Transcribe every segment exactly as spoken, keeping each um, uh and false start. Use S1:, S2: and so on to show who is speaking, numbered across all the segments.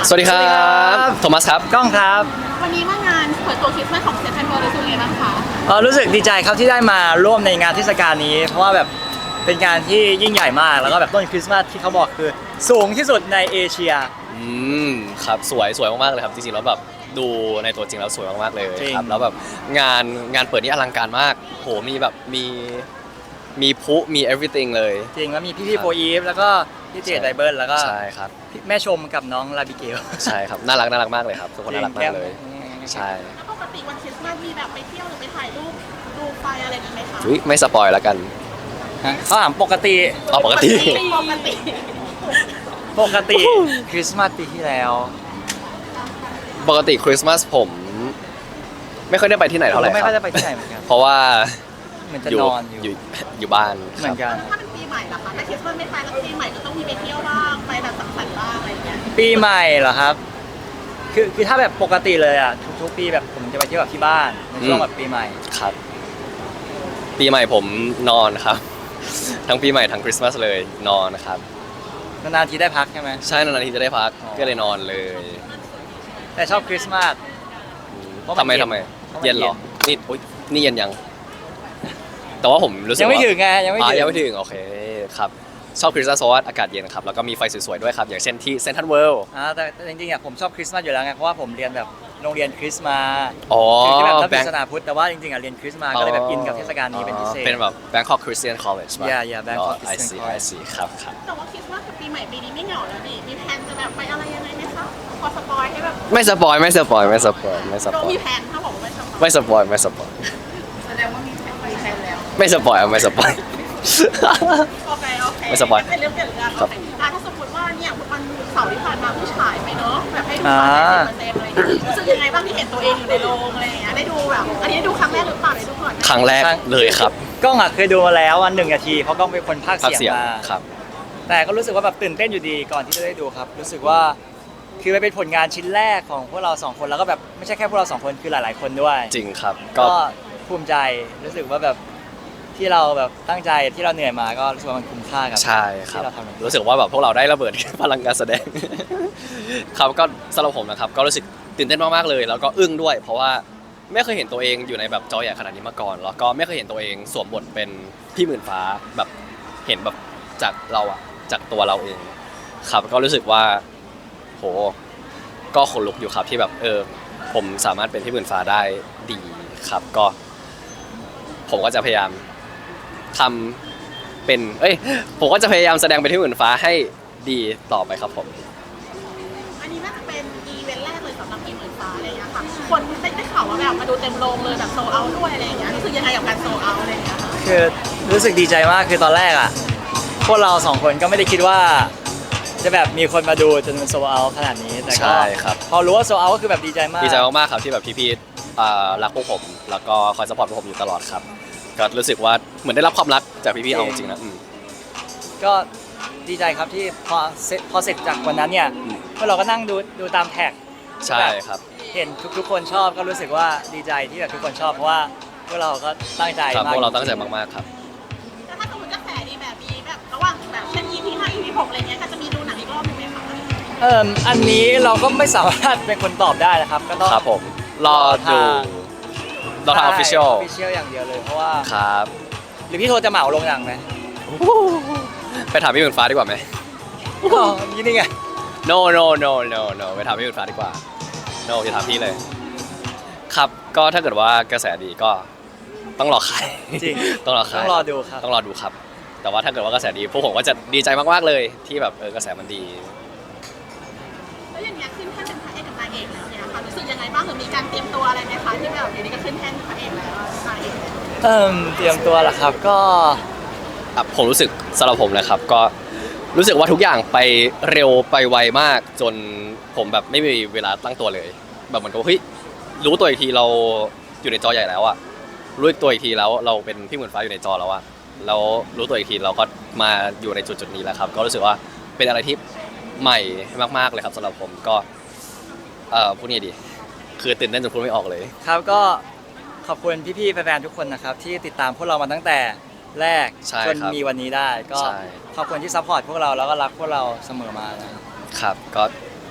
S1: สวัสดีครับโทมัสครับ
S2: ก้องครับ
S3: วันนี้มางานเปิดตัวคริสต์มาสของเซนทรัลเวิลด์รู้สึกยังไงบ้างคะ
S2: เออรู้สึกดีใจครับที่ได้มาร่วมในงานเทศกาลนี้เพราะว่าแบบเป็นงานที่ยิ่งใหญ่มากแล้วก็แบบต้นคริสต์มาสที่เขาบอกคือสูงที่สุดในเอเชีย
S1: อืมครับสวยสวยมากๆเลยครับจริงๆแล้วแบบดูในตัวจริงแล้วสวยมากๆเลยครับแล้วแบบงานงานเปิดนี่อลังการมากโหมีแบบมีมีพลุมี everything เลย
S2: จริงแล้วมีพี่พี่โฟอีฟแล้วก็พี่เจดไดเบิลแล้วก็
S1: ใช่ครับ
S2: แม่ชมกับน้องลาบิเกล
S1: ใช่ครับน่ารักน่ารักมากเลยครับทุกคนน่ารักมากเลยใช่
S3: แล้วปกติวันคริสต์มาสมีแบบไปเที่ยวหรือไปถ่ายรูปดูไฟอะไรกันไหมคะ
S1: อุ๊ยไม่สปอยแล้วกัน
S2: เขาถามปกติ
S1: อ๋อปกติ
S3: ปกติ
S2: ปกติคริสต์มาสปีที่แล้ว
S1: ปกติคริสต์มาสผมไม่ค่อยได้ไปที่ไหนเท่าไหร่ครับ
S2: ไม่ค่อยได้ไปที่ไหนเหมือนกัน
S1: เพราะว่า
S2: เหมือนจะนอนอยู่
S1: อยู่บ้าน
S2: เหมือนกัน
S3: ถ้าเป็นปีใหม่ล่ะคะถ้าคริสต์มาสไม่ไปแล้วปีใหม่ก็ต้องมีไปเที่ยวบ้างไปแบบสังสรรค์บ้างอะไรอย่างเงี้ย
S2: ปีใหม่เหรอครับคือคือถ้าแบบปกติเลยอ่ะทุกๆปีแบบผมจะไปเที่ยวแบบที่บ้านในช่วงแบบปีใหม่
S1: ครับปีใหม่ผมนอนครับทั้งปีใหม่ทั้งคริสต์มาสเลยนอนนะครับ
S2: นานๆทีได้พักใช่ไหม
S1: ใช่นานๆทีจะได้พักก็เลยนอนเลย
S2: แต่ชอบคริสต์มาส
S1: ทำไมทำไมเย็นเหรอนี่อุ๊ยนี่เย็นยังแต่ว่าผมรู้สึกว่า
S2: ยังไม่ถึงไงยังไม่ถึง
S1: ยังไม่ถึงโอเคครับชอบคริสต์มาสเพราะว่าอากาศเย็นครับแล้วก็มีไฟสวยๆด้วยครับอย่างเช่นที่เซ็นทรัลเวิลด์
S2: อ่าแต่จริงๆอ่ะผมชอบคริสต์มาสอยู่แล้วไงเพราะว่าผมเรียนแบบโรงเรียนคริสต์มา
S1: อ๋อ
S2: คือแบบนับศาสนาพุทธแต่ว่าจริงๆอ่ะเรียนคริสต์มาก็เลยแบบอินกับเทศกาลนี้เป็นพิเศษ
S1: เป็นแบบ Bangkok Christian College ป่ะ
S2: yeah yeah Bangkok
S1: I see I see ครับครับ
S3: แต่ว่าคริสต์มาสกับปีใหม่ปีนี้ไม่เหงาแล้วดิมีแพลนจะแบบไปอะไรยังไงไหมคะพอสปอยให้แบบ
S1: ไม่สปอยไม่สปอยไม่สปอยไม่สปอย
S3: มีแพลนถ้าบอกว่าไม่สปอย
S1: ไม่สปอยไม่สปอย
S3: แสดงว่ามีแพลนมีแพลนแล้ว
S1: ไม่สปอยไม่สปอย
S3: โอเคโอเค
S1: ไม่สปอย
S3: เป็นเรื่องเกี่ยวกับโอเคถ้าสมมติว่าเนี่ยวันเสาร์ที่ผ่านมาผู้ฉายไปเนาะแบบให้ดูมาเต็มเลยรู้สึกยังไงบ้างที่เห็นตัวเองอยู่ในโรงอะไรอย่างเงี้ยได้ดูแบบอันนี้ได้ดูครั้งแรกหรือเปล่าได้ดูก่อน
S1: ครั้งแรกเลยครับ
S2: กล้องอ่ะเคยดูมาแล้ววันหนึ่งนาทีเพราะกล้องเป็นคนพากย์เสียงมา
S1: ครับ
S2: แต่ก็รู้สึกว่าแบบตื่นเต้นอยู่ดีก่อนที่จะได้ดูครับรู้สึกว่าคือมันเป็นผลงานชิ้นแรกของพวกเราสองคนแล้วก็แบบไม่ใช่แค่พวกเราสองคนคือหลายๆคนด้วย
S1: จริงครับ
S2: ก็ภูมิใจรู้สึกว่าแบบที่เราแบบตั้งใจที่เราเหนื่อยมาก็รู้สึกว่ามันคุ้มค่ากับ
S1: ใช่ครับรู้สึกว่าแบบพวกเราได้ระเบิดพลังการแสดงครับก็สำหรับผมนะครับก็รู้สึกตื่นเต้นมากๆเลยแล้วก็อึ้งด้วยเพราะว่าไม่เคยเห็นตัวเองอยู่ในแบบจอใหญ่ขนาดนี้มาก่อนแล้วก็ไม่เคยเห็นตัวเองสวมบทเป็นพี่หมื่นฟ้าแบบเห็นแบบจากเราอะจากตัวเราเองครับก็รู้สึกว่าโหก็ขนลุกอยู่ครับที่แบบเออผมสามารถเป็นพี่หมื่นฟ้าได้ดีครับก็ผมก็จะพยายามทำเป็นเอ้ยผมก็จะพยายามแสดงเป็นพี่หมื่นฟ้าให้ดีต่อไปครับผม
S3: อันนี้น่าจะเป็นอีเวนต์แรกเลยสำหรับพี่หมื่นฟ้าอะไรอย่างเงี้ยค่ะคนได้ได้ข่าวว่าแบบมาดูเต็มโรงเลยแบบโซเอาด้วยอะไรอย่างเงี้ยรู้สึกยังไงกับการโซเอาอะไรอย่างเงี้ย
S2: คือรู้สึกดีใจมากคือตอนแรกอ่ะพวกเราสองคนก็ไม่ได้คิดว่าจะแบบมีคนมาดูจนมันโซเอาขนาดนี้แต่ก็พอรู้ว่าโซเอาก็คือแบบดีใจมาก
S1: ดีใจมากๆครับที่แบบพี่ๆรักพวกผมแล้วก็คอยซัพพอร์ตพวกผมอยู่ตลอดครับก็รู้สึกว่าเหมือนได้รับความรักจากพี่ๆเอาจริงๆนะ
S2: ก็ดีใจครับที่พอเสร็จพอเสร็จจากวันนั้นเนี่ยพวกเราก็นั่งดูดูตามแท็ก
S1: ใช่ครับ
S2: เห็นทุกๆคนชอบก็รู้สึกว่าดีใจที่แบบทุกคนชอบเพราะว่าพวกเราก็ตั้งใจ
S1: มากพวกเราตั้งใจมากๆครับ
S3: แต่ถ้าสมมติกระแสดีแบบนี้แบบระหว่างแบบเช่น อี พี ห้า อี พี หกอะไรเงี้ยก็จะมีดูหนังอีกรอบนึงไหมคะ
S2: เอ่ออันนี้เราก็ไม่สามารถเป็นคนตอบได้นะครับก็ต้อง
S1: ครับผมรอดูเราทำ official
S2: official อย่างเดียวเลยเพราะว่า
S1: ครับ
S2: หรือพี่โทรจะเหมาลงหนังไหม
S1: ไปถามพี่หมื่นฟ้าดีกว่าไหม
S2: อ๋อนี่นี่ไง
S1: no no no no no ไปถามพี่หมื่นฟ้าดีกว่า no อย่าถามพี่เลยครับก็ถ้าเกิดว่ากระแสดีก็ต้องรอขาย
S2: จริง
S1: ต้องรอขาย
S2: ต้องรอดูครับ
S1: ต้องรอดูครับแต่ว่าถ้าเกิดว่ากระแสดีพวกผมก็จะดีใจมากๆเลยที่แบบเออกระแสมันดี
S3: แล้วอย่างเงี้ยขึ้นแท่นเป็นพระเอกกับนางเอกแล้วเนี่ยค่ะรู้สึกยังไงบ้างหรือมีการเตรียมตัวอะไรไหมคะที่แบบเดี๋ยวนี้ก็ขึ้นแท่นพระเอกแล้วนางเอก
S2: เอิ่มเตรียมตัวเหรอครับก็
S1: ผมรู้สึกสำหรับผมนะครับก็รู้สึกว่าทุกอย่างไปเร็วไปไวมากจนผมแบบไม่มีเวลาตั้งตัวเลยแบบเหมือนกับเฮ้ยรู้ตัวอีกทีเราอยู่ในจอใหญ่แล้วอะรู้ตัวอีกทีแล้วเราเป็นพี่หมื่นฟ้าอยู่ในจอแล้วอะแล้วรู้ตัวอีกทีเราก็มาอยู่ในจุดจุดนี้แล้วครับก็รู้สึกว่าเป็นอะไรที่ใหม่มากๆเลยครับสำหรับผมก็เอ่อพูดงี้ดีคือตื่นเต้นจนพูดไม่ออกเลย
S2: ครับก็ขอบคุณพี่ๆแฟนๆทุกคนนะครับที่ติดตามพวกเรามาตั้งแต่แรกจนมีวันนี้ได้ก็ขอบคุณที่ซัพพอร์ตพวกเราแล้วก็รักพวกเราเสมอมานะครับ
S1: ครับก็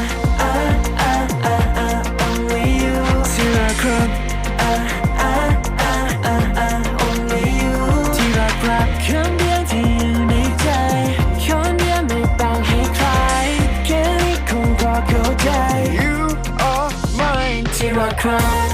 S4: อ่ะอ่ะอ่ะอ่ะ only you ที่รักครับอ่ะอ่ะอ่ะอ่ะอ่ะ only you ที่รักรักคนเดียวที่อยู่ในใจคนเดียวไม่แบ่งให้ใครแค่นี้คงพอเข้าใจ You are mine ที่รักครับ